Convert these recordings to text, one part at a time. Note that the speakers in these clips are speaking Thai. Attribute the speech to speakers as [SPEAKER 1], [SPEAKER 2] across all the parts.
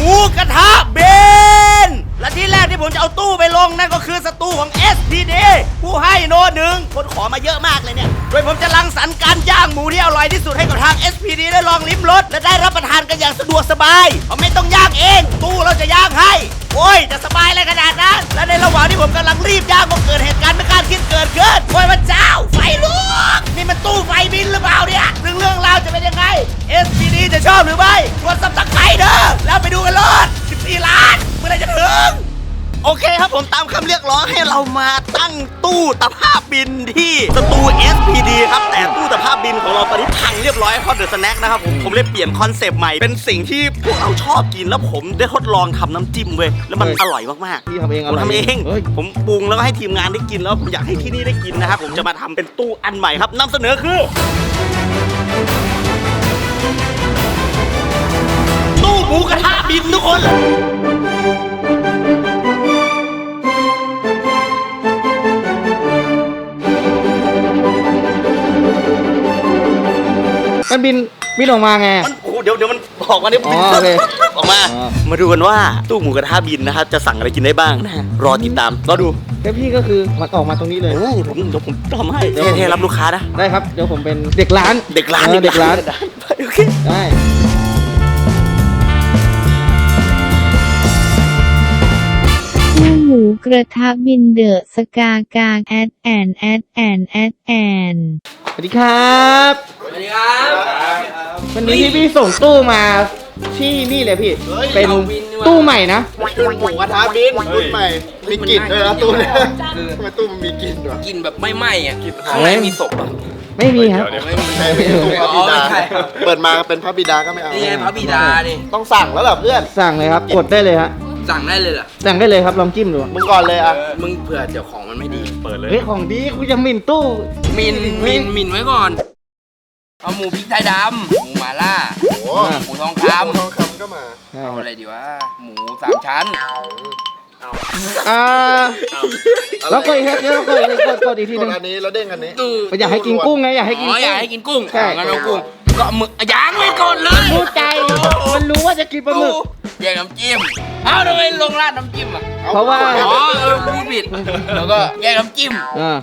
[SPEAKER 1] มูกระทะเบนและที่แรกที่ผมจะเอาตู้ไปลงนั่นก็คือสตูของ SPD ผู้ให้โนหนึ่งคนขอมาเยอะมากเลยเนี่ยโดยผมจะรังสรรค์การย่างหมูที่อร่อยที่สุดให้กับทาง SPD ได้ลองลิ้มรสและได้รับประทานกันอย่างสะดวกสบายเพราะไม่ต้องย่างเองตู้เราจะย่างให้โอ้ยจะสบายอะไรขนาดนั้นและในระหว่างที่ผมกำลังรีบย่างก็เกิดเหตุการณ์ไม่คาดคิดเกิดขึ้นโอ้ยพระเจ้าไฟลุกนี่มันตู้ไฟบินหรือเปล่าเนี่ยเรื่องราวจะเป็นยังไง SPD จะชอบหรือไม่กดซับสไครต์เด้อแล้วไปดูกันเลย14 ล้านเมื่อไหร่จะถึงโอเคครับผมตามคำเรียกร้องให้เรามาตั้งตู้ตะภาพบินที่สตู SPD ครับแต่ตู้ตะภาพบินของเราตอนนี้พังเรียบร้อยเพราะเดอะสแน็คนะครับผมเลยเปลี่ยนคอนเซปต์ใหม่เป็นสิ่งที่พวกเราชอบกินแล้วผมได้ทดลองทำน้ำจิ้มเว้ยแล้วมันอร่อยมากๆ
[SPEAKER 2] พี่ทำเอง
[SPEAKER 1] ผมทำเองผมปรุงแล้วก็ให้ทีมงานได้กินแล้วผมอยากให้ที่นี่ได้กินนะครับผมจะมาทำเป็นตู้อันใหม่ครับนำเสนอคือตู้หมูกระทะบินทุกคน
[SPEAKER 2] มันบินออกมาไง
[SPEAKER 1] มันโอ้เดี๋ยวมันบอกมาเนี่ยบินออกมามาดูกันว่าตู้หมูกระทะบินนะครับจะสั่งอะไรกินได้บ้างนะรอติดตามรอดู
[SPEAKER 2] แล้วพี่ก็คือมันออกมาตรงนี้เลย
[SPEAKER 1] เดี๋ยวผมทำให้เท่รับลูกค้านะ
[SPEAKER 2] ได้ครับเดี๋ยวผมเป็นเด็กร้าน
[SPEAKER 1] เด็กร้านโอเค
[SPEAKER 2] ได้
[SPEAKER 3] ตู้หมูกระทะบินเดอะสกากางแอด
[SPEAKER 2] สวัสดีครับ
[SPEAKER 4] สวัสดีครับ
[SPEAKER 2] วันนี้พี่ส่งตู้มาที่นี่เลยพี่เป็นตู้ใหม่นะ
[SPEAKER 5] หมูกระทะบินรุ่นใหม่มีกลิ่นด้วยนะตู้เนี่ยทำไมตู้มันมีกลิ่นด้วย
[SPEAKER 4] กลิ่นแบบไม่ไหม้อ่ะข้างในมีศพอ่ะ
[SPEAKER 2] ไม่มีครับ
[SPEAKER 5] ไม่ใช่ตู้พระบิดาเปิดมาเป็นพระบิดาก็ไม่เอา
[SPEAKER 4] นี่ไงพระบิดานี่
[SPEAKER 5] ต้องสั่งแล้วเหรอเพื่อน
[SPEAKER 2] สั่งเลยครับกดได้เลยฮะ
[SPEAKER 4] สั่งได้เลยเหรอ
[SPEAKER 2] สั่งได้เลยครับลองจิ้มดู
[SPEAKER 5] มึงก่อนเลยอ่ะ
[SPEAKER 4] มึงเผื่อเดี๋ยวของมันไม่ดี
[SPEAKER 1] เปิดเลย
[SPEAKER 2] เฮ้ยของดีกูจะหมิ่นตู้
[SPEAKER 4] มินไว้ก่อนเอาหมูพริกไทยดำหมูหม่าล่าหมูทองค
[SPEAKER 5] ก็มา
[SPEAKER 4] เอาอะไรดีวะหมู3 ชั้น
[SPEAKER 2] แล้วก็อีกครับแล้วก็กดอีกทีนึง
[SPEAKER 5] อันนี้แล้วเด้งอันนี้
[SPEAKER 2] อยากให้กินกุ้งไงอยากให้กิน
[SPEAKER 4] อยากให้กินกุ้งงั้นเอากุ้งก็หมึกย่างไว้ก่อนเลย
[SPEAKER 2] รู้ใจมันรู้ว่าจะกินปลาหมึก
[SPEAKER 4] แยกน้ำจิ้มเอาทำไมลงราดน้ำจิ้มอ่ะ
[SPEAKER 2] เพราะว่า
[SPEAKER 4] พูดผิดแล้วก็แยกน้ำจิ้ม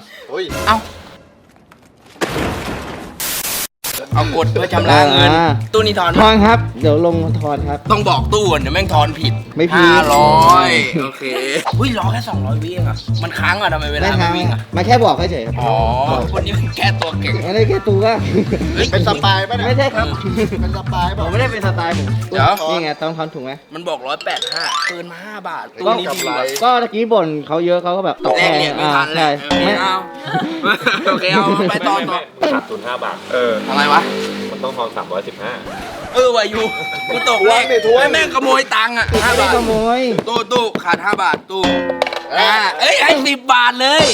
[SPEAKER 4] เอากดเพื่อชำระเงินตู้นี้ทอน
[SPEAKER 2] ครับเดี๋ยวลงทอนครับ
[SPEAKER 4] ต้องบอกตู้เดี๋ยวแม่งทอนผิด
[SPEAKER 2] ไม่ผิด
[SPEAKER 4] 500โอเคอุ้ยรอแค่200 วิเองอ่ะมันค้างอ่ะทำไมเวลาไม่วิ่งอ่ะ
[SPEAKER 2] มาแค่บอกเฉย
[SPEAKER 4] อ๋อคนนี้มันแค่ตัวเก่ง
[SPEAKER 2] อะไรแค่ตัวก็
[SPEAKER 5] เป็นสปายป่ะเนี่ย
[SPEAKER 2] ไม่ใช่ครับ
[SPEAKER 5] เป็นสปายป่ะ
[SPEAKER 2] ผมไม่ได้เป็นสไตล์ผม
[SPEAKER 4] เดี๋ยว
[SPEAKER 2] นี่ไงต้องทอนถูกไหม
[SPEAKER 4] มันบอก185เกินมา5 บาทตู้นี้ดี
[SPEAKER 2] ก็ตะกี้บ่นเขาเยอะเขาก็แบบตกแรง
[SPEAKER 4] ไม่ทันเลยไม่เอาโอเคเอาไปต่อ
[SPEAKER 1] ขาดทุน5 บาท
[SPEAKER 4] อะไรวะ
[SPEAKER 1] มันต้องทอน315
[SPEAKER 4] วายูกูตกเลขแม่งขโมยตังค์อ่ะ5 บาท
[SPEAKER 2] ขโมย
[SPEAKER 4] ตู้ขาด5 บาทตู้เอ้ยให้10 บาทเลย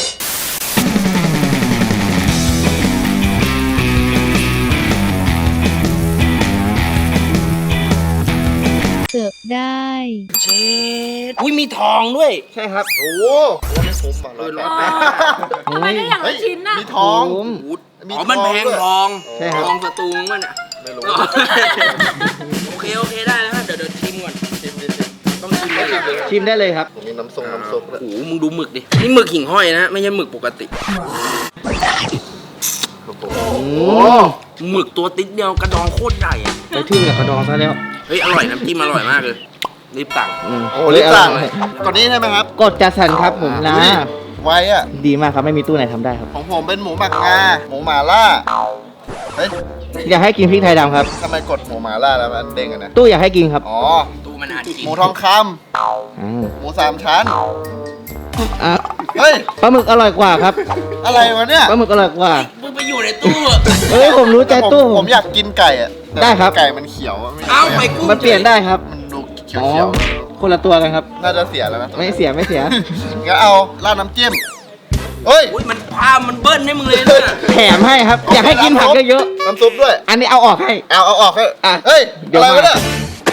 [SPEAKER 3] เสิร์ฟได้
[SPEAKER 4] เช็ดอุ้ยมีทองด้วย
[SPEAKER 2] ใช่ครับ
[SPEAKER 5] โอ้โหไม่คุ้มอ่ะ
[SPEAKER 6] ทำไมได้อย่างละชิ้นน่ะ
[SPEAKER 5] มีทอง
[SPEAKER 4] มันแพงทองทองสตูงมันอ่ะ
[SPEAKER 5] ไม่รู้
[SPEAKER 4] โอเคได้แล้วเดี๋ยวชิมก่อนต้อง
[SPEAKER 2] ชิมได้เลยครับ
[SPEAKER 5] มีน้ำซุป
[SPEAKER 4] โอ้โหมึงดูหมึกดินี่หมึกหิ่งห้อยนะไม่ใช่หมึกปกติหมึกตัวติ๊กเดียวกระดองโคตรใหญ่อะ
[SPEAKER 2] ไปทึ่งกับกระดองซะแล้ว
[SPEAKER 4] เฮ้ยอร่อยน้ำจิ้มอร่อยมากเลยรีบสั่ง
[SPEAKER 5] โอ้รีบสั่งกดนี้ใช่ไหมครับ
[SPEAKER 2] กดจัดสรรครับผมนะ
[SPEAKER 5] ไว้อะ
[SPEAKER 2] ดีมากครับไม่มีตู้ไหนทำได้ครับ
[SPEAKER 5] ของผมเป็นหมูหมักงาหมูหม่าล่า
[SPEAKER 2] อยากให้กินพริกไทยดำครับ
[SPEAKER 5] ทำไมกดหมูหม่าล่าแล้วมันเด้งนะ
[SPEAKER 2] ตู้อยากให้กินครับ
[SPEAKER 5] อ๋อ
[SPEAKER 4] ตู้มันอ่านกิน
[SPEAKER 5] หมูทองคำหมู3 ชั้น
[SPEAKER 2] เฮ้ยปลาหมึกอร่อยกว่าครับ
[SPEAKER 5] อะไรวะเนี่ย
[SPEAKER 2] ปลาหมึกอร่อยกว่า
[SPEAKER 4] มึงไปอยู่ในตู้
[SPEAKER 2] ผมรู้ใจตู้
[SPEAKER 5] ผมอยากกินไก่อะ
[SPEAKER 2] ได้ครับ
[SPEAKER 5] ไก่มันเขียว
[SPEAKER 4] เอาไปกุ้ง
[SPEAKER 2] มันเปลี่ยนได้ครับ
[SPEAKER 5] มันดูเขียว
[SPEAKER 2] คนละตัวกันครับ
[SPEAKER 5] น่าจะเสียแล้วนะ
[SPEAKER 2] ไม่เสีย
[SPEAKER 5] งั้นเอาราดน้ำจิ้มเฮ้ย
[SPEAKER 4] มันพามันเบิ้ลให้มึงเลยนะ
[SPEAKER 2] แถมให้ครับอยากให้กินผักเยอะ
[SPEAKER 5] น้ำซุปด้วย
[SPEAKER 2] อันนี้เอาออกให้
[SPEAKER 5] เอาออกให้เฮ้ยอะไรวะเนี่ย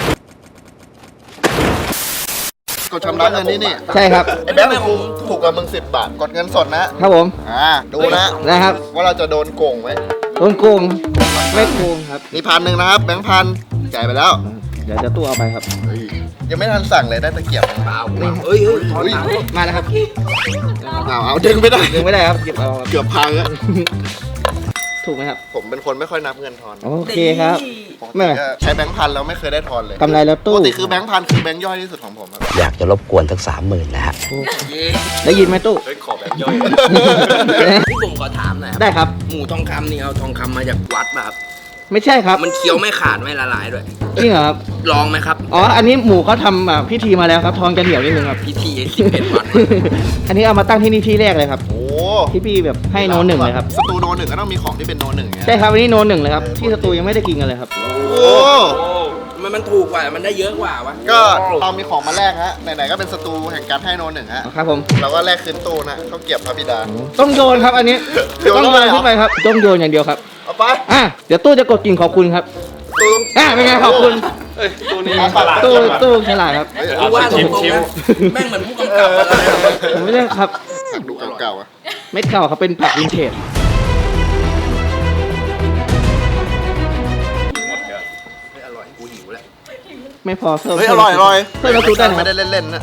[SPEAKER 5] กดชำระเงินนี่
[SPEAKER 2] ใช่ครับ
[SPEAKER 5] ไอ้แบงค์ถูกกับมึง10 บาทกดเงินสดนะครับ
[SPEAKER 2] ผม
[SPEAKER 5] ดูนะครับว่าเราจะโดนโกงไหม
[SPEAKER 2] โดนโกงไม่โกงครับ
[SPEAKER 5] นี่1,000นะครับแบงค์1,000จ่ายไปแล้ว
[SPEAKER 2] เดี๋ยวจะตู้เอาไปครับ
[SPEAKER 5] ยังไม่ทันสั่งเลยได้ตะเกียบ
[SPEAKER 4] เปล่าเฮ้ย
[SPEAKER 5] อุ้ย
[SPEAKER 2] มาแล้วครับ
[SPEAKER 5] เอาดึงไม่ได้
[SPEAKER 2] ดึงไม่ได้ครับหยิบเอาครับ
[SPEAKER 5] เกือบพังอะ
[SPEAKER 2] ถูกไหมครับ
[SPEAKER 5] ผมเป็นคนไม่ค่อยนับเงินทอน
[SPEAKER 2] โอเคครับ
[SPEAKER 5] ปกติก็ใช้แบงค์พันแล้วไม่เคยได้ทอนเลย
[SPEAKER 2] กำไรรถ
[SPEAKER 5] ป
[SPEAKER 2] ตู้
[SPEAKER 5] กติคือแบงค์พันคือแบงค์ย่อยที่สุดของผมครับ
[SPEAKER 7] อยากจะรบกวนทั้ง30,000นะฮะ
[SPEAKER 2] ได้ยินไหมตู้
[SPEAKER 4] พี่ผมขอถามหน่อยครับ
[SPEAKER 2] ได้ครับ
[SPEAKER 4] หมูทองคำนี่เอาทองคำมาจากวัดป่ะครับ
[SPEAKER 2] ไม่ใช่ครับ
[SPEAKER 4] มันเคี้ยวไม่ขาดไม่ละลายด้วย
[SPEAKER 2] จริงเหรอครับ
[SPEAKER 4] ลองไหมครับ
[SPEAKER 2] อ๋อ อันนี้หมูเขาทำพิธีมาแล้วครับ ทองจะเหนียวนิดนึงครับ
[SPEAKER 4] พิธี11 วัน
[SPEAKER 2] อันนี้เอามาตั้งที่นี่ที่แรกเลยครับ
[SPEAKER 5] โอ้
[SPEAKER 2] ที่พี่แบบให้โนหนึ่งเลยครับ
[SPEAKER 5] สตูโนหนึ่งก็ต้องมีของที่เป็นโนหนึ่งไง
[SPEAKER 2] ใช่ครับอันนี้โนหนึ่งเลยครับ ที่สตูยังไม่ได้กินกันเลยครับ
[SPEAKER 5] โอ้
[SPEAKER 4] มันถูกกว่ามันได้เยอะกว่าวะ
[SPEAKER 5] ก็เรามีของมาแลกฮะไหนๆก็เป็นสตูแห่งการให้โนหนึ่งฮะ
[SPEAKER 2] ครับผม
[SPEAKER 5] เราก็แลกคืนตู้นะข้าวเกรียบพระบิดา
[SPEAKER 2] ต้องโยนครับอันนี้
[SPEAKER 5] โยน
[SPEAKER 2] ต้อง
[SPEAKER 5] เข้า
[SPEAKER 2] โย
[SPEAKER 5] ไป
[SPEAKER 2] น
[SPEAKER 5] เหรอ
[SPEAKER 2] ขึ้นไปครับต้องโยนอย่างเดียวครับ
[SPEAKER 5] เอาไป
[SPEAKER 2] เดี๋ยวตู้จะกดกิ่งขอบคุณครับ
[SPEAKER 5] ตู้
[SPEAKER 2] เป็นไงขอบคุณ
[SPEAKER 5] ตู้นี้
[SPEAKER 2] ตู้ฉลาดครับ
[SPEAKER 4] กูว่าตรงๆนะแม่งเหมือนผู้กำกับอะไรนะ
[SPEAKER 2] ผมไม่ได้ครับ
[SPEAKER 5] ดูเก่าๆอ่ะ
[SPEAKER 2] เม็ดเก่าครับเป็นผักวินเทจ
[SPEAKER 4] อร่อยกูหิวแล้ว
[SPEAKER 2] ไม่พอเพิ่ม
[SPEAKER 5] เฮ้ยอร่อยอร่อย
[SPEAKER 2] เพิ่มน้ำซุปได้ไหม
[SPEAKER 5] ไม่ได้เล่นๆนะ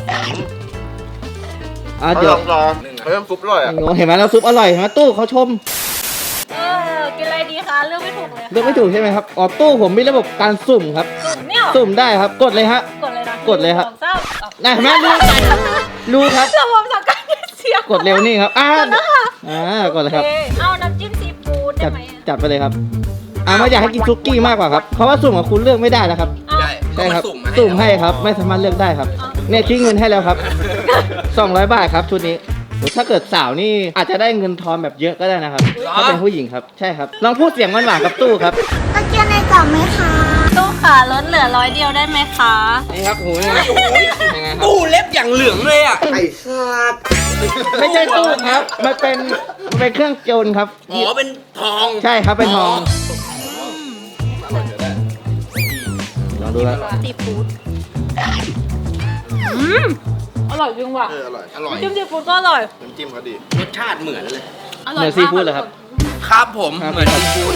[SPEAKER 2] เดี๋ยว
[SPEAKER 5] ลองเพิ่มซุปอร่อยอ่ะ
[SPEAKER 2] เห็นไหมน้ำซุปอร่อยเห็นไหมตู้เขาชม
[SPEAKER 6] กินอะไรดีคะเลือกไม่ถูกเลย
[SPEAKER 2] เลือกไม่ถูกใช่ไหมครับอ๋อตู้ผมมีระบบการสุ่มครับ
[SPEAKER 6] สุ่มเนี่ย
[SPEAKER 2] สุ่มได้ครับ กดเลยฮะ
[SPEAKER 6] กดเลยนะ
[SPEAKER 2] กดเลยครับ
[SPEAKER 6] สองเศร้า
[SPEAKER 2] นะเห็นไหมรู้ครับ
[SPEAKER 6] ระบบสังกัดเสียง
[SPEAKER 2] กดเร็วนี่ครับกดเลยครับ
[SPEAKER 6] โอเคเอาน้ำจิ้มซีฟู้ดได้
[SPEAKER 2] จัด
[SPEAKER 6] ไหม
[SPEAKER 2] จัดไปเลยครับไม่อยากให้กินซุกี้มากกว่าครับ เพราะว่าสุ่มของคุณเลือกไม่ได้นะครับ
[SPEAKER 4] ได้
[SPEAKER 2] ใช่ครับ
[SPEAKER 4] ก็มา
[SPEAKER 2] สุ่มให้ครับ ไม่สามารถเลือกได้ครับ เนี่ยคิดเงินให้แล้วครับ 200 บาทครับชุดนี้โอ้ถ้าเกิดสาวนี่อาจจะได้เงินทอนแบบเยอะก็ได้นะครับ ถ้าเป็นผู้หญิงครับ ใช่ครับ ลองพูดเสียงหวานๆกับตู้ครับ
[SPEAKER 3] ตะเกียบในกล่องไหมคะ
[SPEAKER 6] ตู้ขาลดเหลือ100 เดียวได้ไหมคะ
[SPEAKER 2] นี่ครับโอ้ยยังไงครับ
[SPEAKER 4] ตู้เล็บอย่างเหลืองเลยอ่ะ
[SPEAKER 2] ไม่ใช่ตู้ครับ มันเป็นเครื่องโจรครับ
[SPEAKER 4] อ๋อเป็นทอง
[SPEAKER 2] ใช่ครับ เป็นทอง ลองดูครับ
[SPEAKER 6] ซีฟู้ดอร่อยจริงว่ะ
[SPEAKER 5] อร่อยอร่อย
[SPEAKER 6] จิ้มซีฟู้ดก็อร่อย
[SPEAKER 5] น้ำจิ้มเขาดี
[SPEAKER 4] รสชาติเหมือนเลย
[SPEAKER 6] อ
[SPEAKER 2] เห
[SPEAKER 6] ร่อย
[SPEAKER 2] มือนซีฟู้ดเหรอครับ
[SPEAKER 4] ครับผม
[SPEAKER 2] ครับ
[SPEAKER 4] เหมือนซีฟู้ด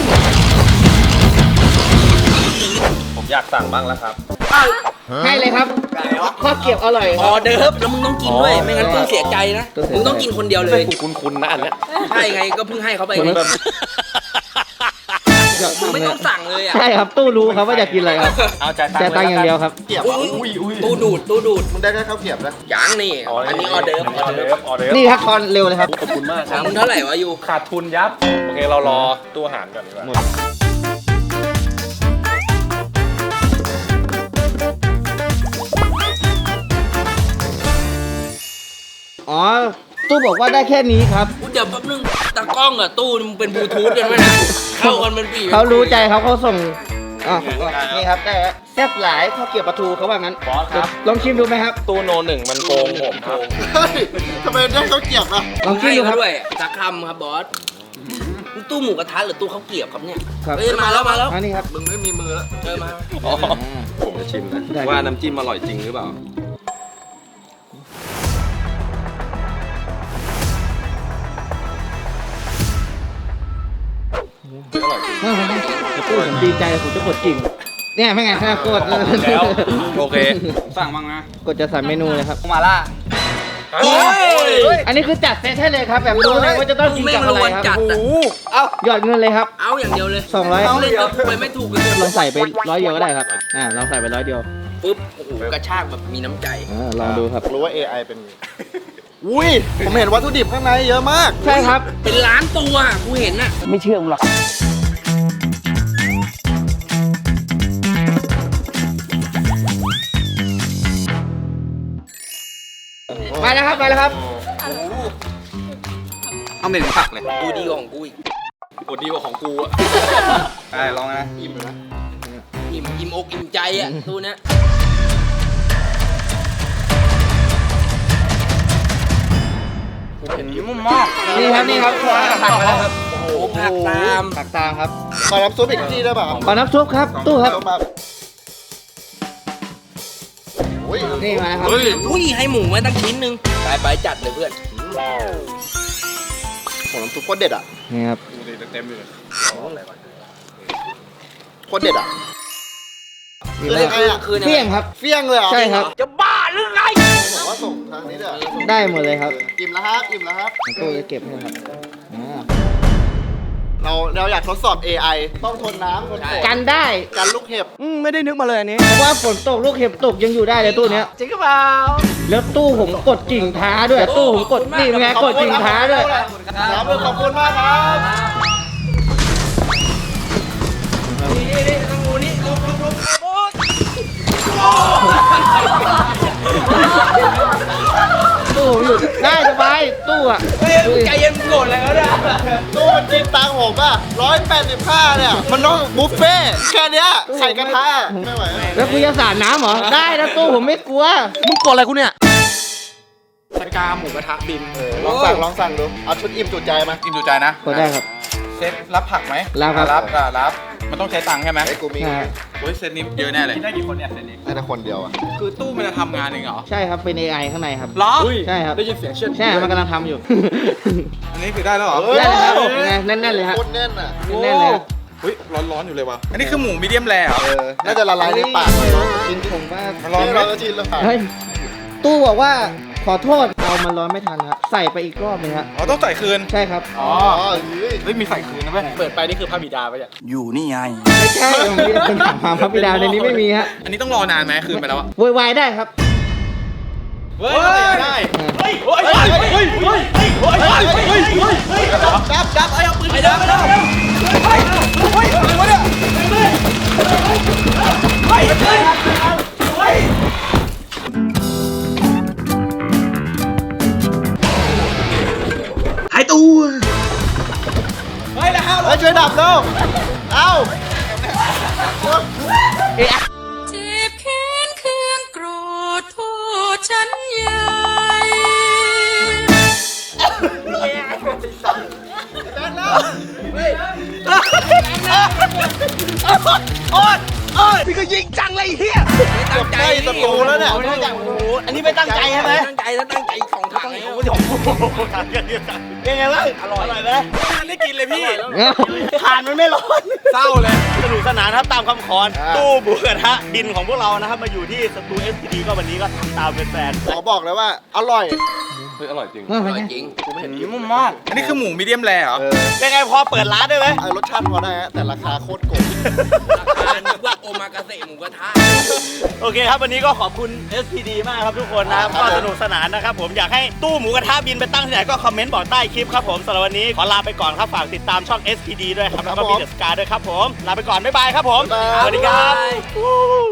[SPEAKER 8] ผมอยากสั่งบ้างแล้วครับ
[SPEAKER 2] ให้เลยครับข้าวเกรี๊ยวอร่อย
[SPEAKER 4] ออเดิร์ฟแล้วมึงต้องกินด้วย ไม่งั้นมึงเสียใจนะ มึงต้องกินคนเดียวเลย
[SPEAKER 8] คุณนะอันเนี้ย
[SPEAKER 4] ใช่ไงก็เพิ่งให้เขาไป
[SPEAKER 2] ผม
[SPEAKER 4] ไง
[SPEAKER 2] แบบ
[SPEAKER 4] มึงไม่ต้องสั่งเลยอ่ะ
[SPEAKER 2] ใช่ครับตู้รู้ครับว่าอยากกินอะไรครับ
[SPEAKER 8] เอาจ่ายตัง
[SPEAKER 2] แต่
[SPEAKER 8] ค์
[SPEAKER 2] ตังค์อย่างเดียวครับ
[SPEAKER 5] เกรียบ
[SPEAKER 4] อุ้ยตู้ดูดตู้ดูด
[SPEAKER 5] มึงได้แค่ข้าวเกรียบนะ
[SPEAKER 4] ยังนี่อันนี้ออเดิร์ฟ
[SPEAKER 8] ออเดิร์ฟออเดิร์ฟ
[SPEAKER 2] นี่ครับคอนเร็วเลยครับ
[SPEAKER 8] ขอบคุณมากค
[SPEAKER 4] ขอ
[SPEAKER 8] รั
[SPEAKER 4] ง
[SPEAKER 8] บ
[SPEAKER 4] มึงเท่าไหร่วะยู
[SPEAKER 8] ขาดทุนยับ โอเคเรารอตู้อาหารก่อนดีกว่า
[SPEAKER 2] อ๋อ ตู้บอกว่าได้แค่นี้ครับ
[SPEAKER 4] เดี๋ยวแป๊บนึงตากล้องกับตู้มึงเป็นบลูทูธกันไหมนะเข้ากันเป็นปี
[SPEAKER 2] เขารู้ใจเขาส่งนี่ครับได้แล้วแซ่บหลายข้าวเกรี๊ยวปลาทูเขาว่างั้น
[SPEAKER 8] บอสครับ
[SPEAKER 2] ลองชิมดูไหมครับ
[SPEAKER 8] ตู้โนหนึ่งมันโกงผมครับ
[SPEAKER 5] เฮ้ยทำไมได้ข้าวเกรียบอ่ะ
[SPEAKER 2] ลองชิม
[SPEAKER 4] ให้
[SPEAKER 2] ดูค
[SPEAKER 4] เขา
[SPEAKER 2] รับ
[SPEAKER 4] ด้วยสักคำครับบอสนี่ตู้หมูกระทะหรือตู้ข้าวเกรี๊ยวครับเนี่ย
[SPEAKER 2] ครับ
[SPEAKER 4] เฮ้ยมาแล้วมาแล้ว
[SPEAKER 2] อันนี้ครับ
[SPEAKER 5] มึงไม่มีมือแล้ว
[SPEAKER 4] เจอมา
[SPEAKER 8] อ๋อ ผมจะชิมนะ
[SPEAKER 2] ได้
[SPEAKER 8] ว่าน้ำจิ้มอร่อยจริงหรือเปล่า
[SPEAKER 2] ตู้ผมดีใจผมจะกดกิ่งเนี่ยไม่ไงกด
[SPEAKER 8] แล้วโอเค สั่งบ้างนะ
[SPEAKER 2] กดจะสั่งเมนูเลยครับ
[SPEAKER 4] มาล่า
[SPEAKER 8] โอ้ย
[SPEAKER 2] อันนี้คือจัดเซตให้เลยครับ แบบรู้เลยว่าจะต้องกิน
[SPEAKER 4] ไม่
[SPEAKER 2] กับ
[SPEAKER 4] ร
[SPEAKER 2] อะไร
[SPEAKER 4] วน
[SPEAKER 2] ครับ
[SPEAKER 4] จัดอะ
[SPEAKER 2] หยอดเงินเลยครับ
[SPEAKER 4] เอาอย่างเดียวเลย
[SPEAKER 2] 200
[SPEAKER 4] เอาเลยไปไม่ถูกเลย
[SPEAKER 2] ลองใส่ไป100เดียวก็ได้ครับลองใส่ไป100เดียว
[SPEAKER 4] ปุ๊บโอ้โหกระชากแบบมีน้ำใจ
[SPEAKER 2] ลองดูครับ
[SPEAKER 5] รู้ว่า AI เป็นไงอุ้ย ผมเห็นวัตถุดิบข้างในเยอะมาก
[SPEAKER 2] ใช่ครับ
[SPEAKER 4] เป็นล้านตัวอะกูเห็นอะ
[SPEAKER 2] ไม่เชื่อมึงหรอกมาแล้วครับมาแล้วครับ
[SPEAKER 8] เอาเหม็นผักเลย
[SPEAKER 4] กูดีกว่าของกูอีก
[SPEAKER 8] โอ้ดีกว่าของกูอ่ะได้ลองนะ
[SPEAKER 5] อิ่มเลยนะ
[SPEAKER 4] อิ่มอกอิ่มใจอะตู้เนี้ย
[SPEAKER 8] เห็นมุ่มมาก
[SPEAKER 2] นี่ครับนี่ครับผักมาแล้วครับ
[SPEAKER 4] โอ้โหผักตาม
[SPEAKER 2] ผักตามครับ
[SPEAKER 5] ขอน้ำซุปอีกที่ได้ป่ะครับ
[SPEAKER 2] ขอน้ำซุปครับตู้ครับ
[SPEAKER 5] เยอะมากอุ้ย
[SPEAKER 2] นี่มาครับ
[SPEAKER 8] เฮ้ย
[SPEAKER 4] อุ้ยให้หมูมาตั้งชิ้นหนึงไปจัดเลยเพื่อน
[SPEAKER 5] ผมน้ำซุปโคตรเด็ดอ่ะ
[SPEAKER 2] นี่ครับ
[SPEAKER 8] เต็มเลย
[SPEAKER 5] โคตรเด็ดอ่ะคือยังไงอ่ะ
[SPEAKER 4] คืน
[SPEAKER 2] เที่ยงครับ
[SPEAKER 5] เฟี้ยงเลยเหรอ
[SPEAKER 2] ใช่ครับ
[SPEAKER 1] จะบ้าหรือไง
[SPEAKER 5] บอกว่าส่งทางนี้เด้อ
[SPEAKER 2] ได้หมดเลยครับ
[SPEAKER 5] อิ่มแล้วครับอิ่มแล้วครับ
[SPEAKER 2] ตู้จะเก็บให้ครับอ่า
[SPEAKER 5] เราอยากทดสอบ AI ต้องทนน้ำทนฝน
[SPEAKER 2] กันได้
[SPEAKER 5] กันลูกเห็บ
[SPEAKER 1] ไม่ได้นึกมาเลยอันนี้
[SPEAKER 2] เพราะว่าฝนตกลูกเห็บตกยังอยู่ได้เลยตู้เนี้ย
[SPEAKER 1] จริงหรือเปล่า
[SPEAKER 2] แล้วตู้ผมกดกิ่งท้าด้วย ตู้ผมกดนี่เป็นไงกดกิ่งท้าด้วย
[SPEAKER 5] ครับขอบคุณมากครับ
[SPEAKER 2] ตู้ผมอยู่ได้สบายตู้อะ
[SPEAKER 4] ใจเย็นโกรธอะไรก็ได้
[SPEAKER 5] ตู้มันกินตังค์ผมอ่ะ185เนี่ย มันต้องบุฟเฟ่ต์แค่เนี้ยไข่กระทะไม่ไหว
[SPEAKER 2] แล้วกูจะสาดน้ำเหรอ ได้นะตู้ผมไม่กลัว
[SPEAKER 1] มึงกดอะไรกูเนี่ย
[SPEAKER 8] สกาหมูกระทะบิน
[SPEAKER 5] ลองสั่งดู เอาชุดอิ่มจุใจมา
[SPEAKER 8] กินดูใจนะ
[SPEAKER 2] กดได้ครับ
[SPEAKER 8] เซตรับผักไหม
[SPEAKER 2] รับครับ
[SPEAKER 8] รับ มันต้องใช้ตังค์ใช่ไหม
[SPEAKER 5] ไอ้กูมี
[SPEAKER 2] ใช่
[SPEAKER 8] โอ้ยเซตนี้เยอะแน่เลยได้กี่คนเนี่ยเซตนี้
[SPEAKER 5] ได้แต่คนเดียวอ่ะ
[SPEAKER 8] คือตู้มันจะทำงานเองเหรอ
[SPEAKER 2] ใช่ครับ เป็น AI ข้างในครับ
[SPEAKER 8] เหรอ
[SPEAKER 2] ใช่ครับ
[SPEAKER 8] ได้ยินเสียงเชือด
[SPEAKER 2] ใช่ มันกำลังทำอยู่
[SPEAKER 8] อันนี้คือได้แล้วเหรอ
[SPEAKER 2] ได้เลยครับเป็นไงแน่นๆเลยครับ
[SPEAKER 5] โคตรแน่นอ่ะ
[SPEAKER 2] แน่นๆเลยครับ
[SPEAKER 8] เฮ้ยร้อนๆอยู่เลยว่ะ อันนี้คือหมูมีเดียมแรร์เหรอ
[SPEAKER 5] น่าจะละลายในปากเลย
[SPEAKER 2] จริงผมว่า
[SPEAKER 8] มันร้อนไหม
[SPEAKER 5] เราจะชินแล้วค่ะ
[SPEAKER 2] เฮ้ย ตู้บอกว่าขอโทษเอามันร้อนไม่ทันครับ ใส่ไปอีกรอบนึงครับ
[SPEAKER 8] อ๋อต้องใส่คืน
[SPEAKER 2] ใช่ครับ
[SPEAKER 8] อ๋อ
[SPEAKER 5] เฮ้ย
[SPEAKER 8] เฮ้ยมีใส่คืนนะเว้ยเปิดไปนี่คือพระบิดาไปะเนี่ย
[SPEAKER 4] อยู่นี่ไง
[SPEAKER 2] ไม่ใช่ผมมีเป็นถังความพระบิดาในนี้ไม่มีฮะ
[SPEAKER 8] อันนี้ต้องรอนานไหมคืนไปแล้วอะ
[SPEAKER 2] โวยวายได้ครับ
[SPEAKER 8] เฮ้ยได้
[SPEAKER 5] จับไอ้เอาปืนไปดับ
[SPEAKER 1] หายตัว
[SPEAKER 5] เฮ้ยช่วยดับแล้วเอ้า
[SPEAKER 6] เจ็บแค้นเคืองโกรธโทษฉันใหญ่
[SPEAKER 1] พี่ก็ยิงจังเลยเฮีย
[SPEAKER 5] เกือบใกล้ประตูแล้วเนี่ย
[SPEAKER 1] อันนี้ไม่ตั้งใจใช่ไหม
[SPEAKER 4] ตั้งใจแล้วตั้งใจของถังเลย
[SPEAKER 1] ยังไงบ้างอร่อยไหม
[SPEAKER 8] ไม่ได้กินเลยพี่
[SPEAKER 1] ทานมันไม่ร้อน
[SPEAKER 8] เศร้าเลย
[SPEAKER 1] สนุกสนานครับตามคำขอตู้หมูกระทะบินของพวกเรานะครับมาอยู่ที่สตู SPD ก็วันนี้ก็ทำตามเป็นแฟน
[SPEAKER 5] ขอบอกเลยว่าอร่อย
[SPEAKER 8] เฮ้ยอร่อยจริง
[SPEAKER 4] อร่อยจริง
[SPEAKER 8] นุ่มมาก อันนี้คือหมูมีเดียมแรร์เหรอ
[SPEAKER 1] เป็นไงพอเปิดร้านได้ไหม
[SPEAKER 5] รสชาติพอได้ฮะแต่ราคาโคตรโกง
[SPEAKER 4] ราคานึกว่าโอมากาเสะหมูกระทะ
[SPEAKER 1] โอเคครับวันนี้ก็ขอบคุณ SPD มากครับทุกคนนะครับก็สนุกสนานนะครับผมอยากให้ตู้หมูกระทะบินไปตั้งที่ไหนก็คอมเมนต์บอกใต้คลิปครับผมสำหรับวันนี้ขอลาไปก่อนครับฝากติดตามช่อง SPD ด้วยครับแล้วก็มีเดอะสกาด้วยครับผมลาไปก่อนบ๊ายบายครับผมสวัสดีครับ